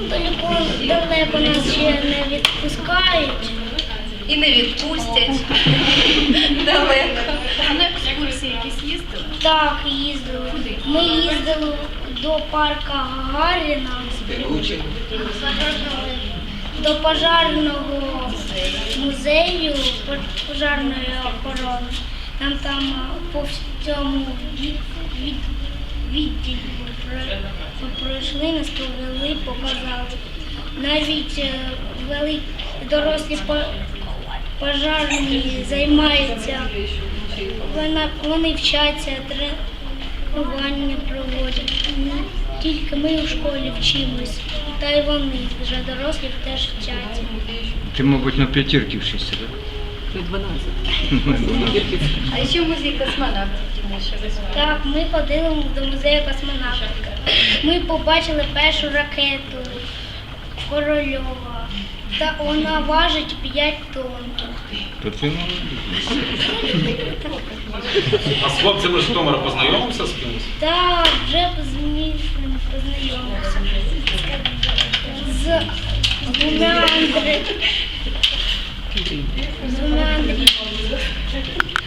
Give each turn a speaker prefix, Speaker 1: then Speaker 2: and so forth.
Speaker 1: далеко нас ще не відпускають.
Speaker 2: І не відпустять. Далеко.
Speaker 3: А на екскурсії якісь їздили?
Speaker 1: Так, їздили. Ми їздили до парка Гагаріна, до пожарного музею пожарної охорони. Нам там по всьому відділі пройшли, нас повели, показали. Навіть дорослі пожарні займаються, вони вчаться, тренування проводять. Тільки ми у школі вчимось, та й вони, вже дорослі теж вчаться.
Speaker 4: Ти, мабуть, на п'ятірки вчишся, так?
Speaker 3: 12.
Speaker 2: А ще музей космонавтів, Тимоша.
Speaker 1: Так, ми ходили до музею космонавтики. Ми побачили першу ракету Корольова. Та вона важить 5 тонн.
Speaker 4: То ти
Speaker 5: А з хлопцями з Житомира познайомився з кимось?
Speaker 1: Та вже з ним познайомився. З двома Андріями.